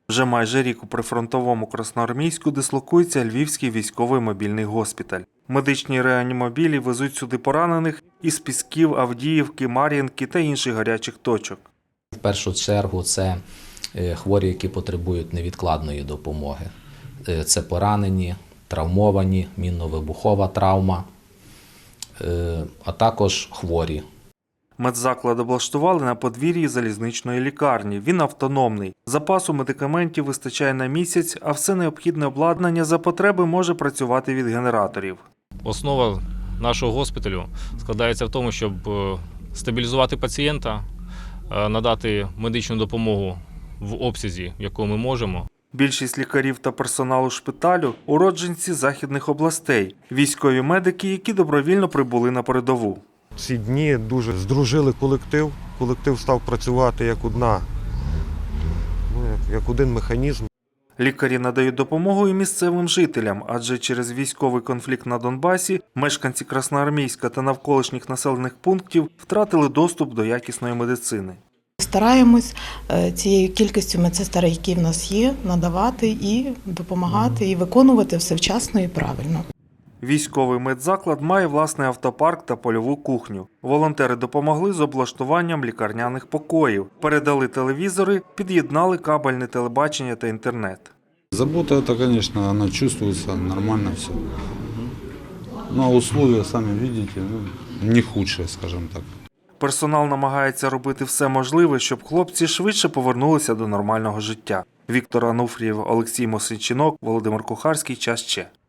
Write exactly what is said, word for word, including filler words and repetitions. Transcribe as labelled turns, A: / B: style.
A: Вже майже рік у прифронтовому Красноармійську дислокується Львівський військовий мобільний госпіталь. Медичні реанімобілі везуть сюди поранених із Пісків, Авдіївки, Мар'їнки та інших гарячих точок.
B: В першу чергу це хворі, які потребують невідкладної допомоги. Це поранені, травмовані, мінно-вибухова травма, а також хворі.
A: Медзаклад облаштували на подвір'ї залізничної лікарні. Він автономний. Запасу медикаментів вистачає на місяць, а все необхідне обладнання за потреби може працювати від генераторів.
C: Основа нашого госпіталю складається в тому, щоб стабілізувати пацієнта, надати медичну допомогу в обсязі, в якому ми можемо.
A: Більшість лікарів та персоналу шпиталю – уродженці західних областей, військові медики, які добровільно прибули на передову.
D: Ці дні дуже здружили колектив, колектив став працювати як одна, ну, як, як один механізм.
A: Лікарі надають допомогу і місцевим жителям, адже через військовий конфлікт на Донбасі мешканці Красноармійська та навколишніх населених пунктів втратили доступ до якісної медицини.
E: Стараємось цією кількістю медсестер, які в нас є, надавати і допомагати, і виконувати все вчасно і правильно.
A: Військовий медзаклад має власний автопарк та польову кухню. Волонтери допомогли з облаштуванням лікарняних покоїв, передали телевізори, під'єднали кабельне телебачення та інтернет.
F: Забота, это, конечно, она чувствуется, нормально все. Ну, а условия, сами видите, ну, не худшие, скажем так.
A: Персонал намагається робити все можливе, щоб хлопці швидше повернулися до нормального життя. Віктор Ануфрієв, Олексій Мосичинок, Володимир Кухарський. Час Че.